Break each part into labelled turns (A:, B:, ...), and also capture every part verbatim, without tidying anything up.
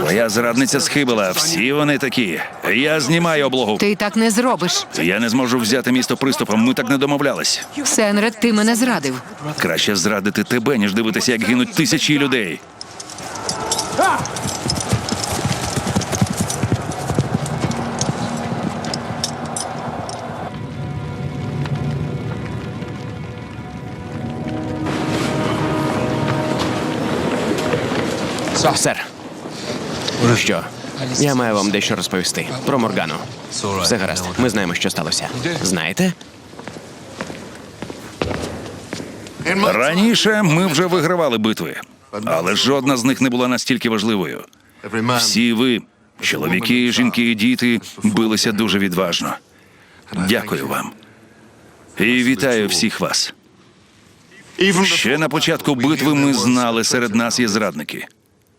A: Твоя зрадниця схибила. Всі вони такі. Я знімаю облогу.
B: Ти так не зробиш.
A: Я не зможу взяти місто приступом. Ми так не домовлялись.
B: Сенред, ти мене зрадив.
A: Краще зрадити тебе, ніж дивитися, як гинуть тисячі людей.
C: Сер. Що? Я маю вам дещо розповісти. Про Моргану. Все гаразд. Ми знаємо, що сталося. Знаєте?
A: Раніше ми вже вигравали битви, але жодна з них не була настільки важливою. Всі ви, чоловіки, жінки і діти, билися дуже відважно. Дякую вам. І вітаю всіх вас. Ще на початку битви ми знали, серед нас є зрадники.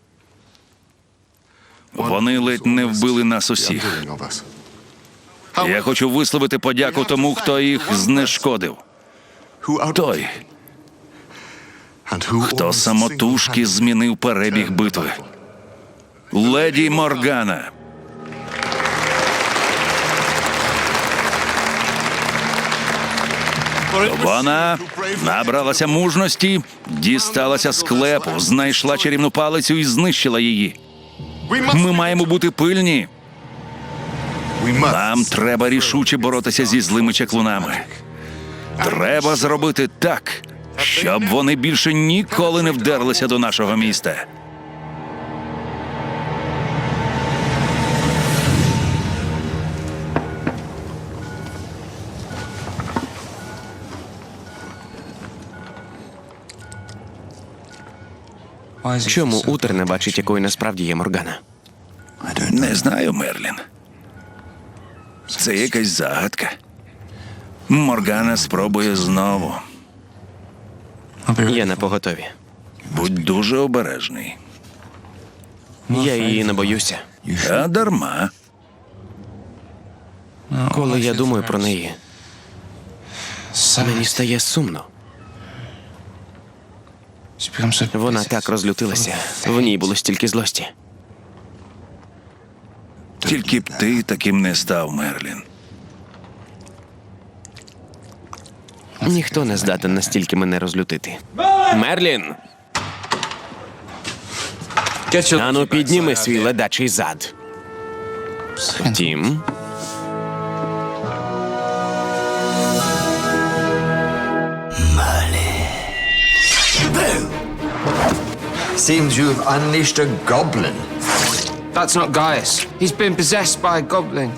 A: Вони ледь не вбили нас усіх. Я хочу висловити подяку тому, хто їх знешкодив. Той, хто самотужки змінив перебіг битви. Леді Моргана. Вона набралася мужності, дісталася склепу, знайшла чарівну палицю і знищила її. Ми маємо бути пильні. Нам треба рішуче боротися зі злими чаклунами. Треба зробити так, щоб вони більше ніколи не вдерлися до нашого міста.
C: Чому Утер не бачить, якою насправді є Моргана?
A: Не знаю, Мерлін. Це якась загадка. Моргана спробує знову.
C: Я на поготові.
A: Будь дуже обережний.
C: Я її не боюся.
A: А дарма.
C: Коли я думаю про неї, мені стає сумно. Вона так розлютилася. В ній було стільки злості.
A: Тільки б ти таким не став, Мерлін.
C: Ніхто не здатен настільки мене розлютити. Мерлін! Ану, підніми свій ледачий зад. Тім.
D: Seems you've unleashed a goblin.
E: That's not Gaius. He's been possessed by a goblin.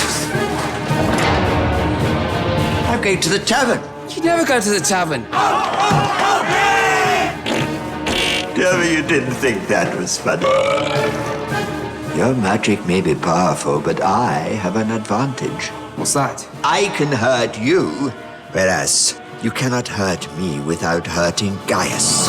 D: Now go to the tavern.
E: You never go to the tavern.
D: Tell me you didn't think that was funny. Your magic may be powerful, but I have an advantage.
E: What's that?
D: I can hurt you, whereas you cannot hurt me without hurting Gaius.